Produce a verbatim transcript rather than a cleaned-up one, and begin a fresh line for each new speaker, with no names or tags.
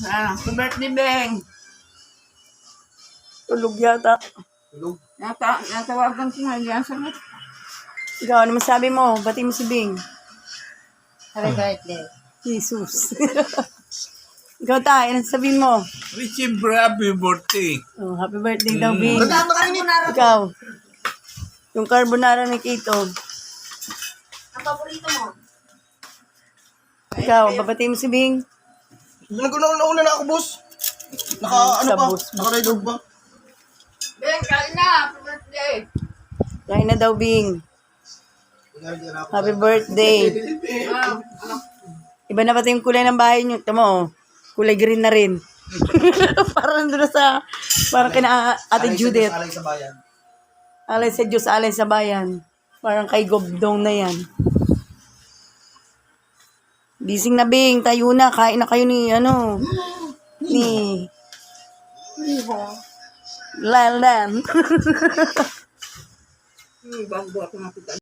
Ah, happy birthday, Beng.
Tulog yata.
Tulog.
Nata, natawagan ko nga yan sa mga.
Ikaw, ano masabi mo? Bati mo si Bing.
Happy birthday.
Jesus. Ikaw tayo, ano sabihin mo?
Siyempre, happy birthday.
Oh, happy birthday daw, Bing.
Tandaan mo tayo ni.
Ikaw. Yung carbonara ni Kito.
Ang paborito mo?
Ikaw, babati mo si Bing.
Nag-una na ako, boss. Naka, ano
Sa
pa?
bus.
Naka-redog pa.
Beng, kain na. Happy birthday.
Kain na daw, Bing. Happy birthday.
Ah,
Iba na pati yung kulay ng bahay nyo. Tama, oh. Kulay green na rin. Parang doon sa, parang kina Ate Judith.
Alay sa bayan.
Alay sa Diyos, alay sa bayan. Parang kay Gobdong na yan. Bising na, Bing. Tayo na. Kain na kayo ni, ano, ni Lalan.
hmm, bago ako nakita.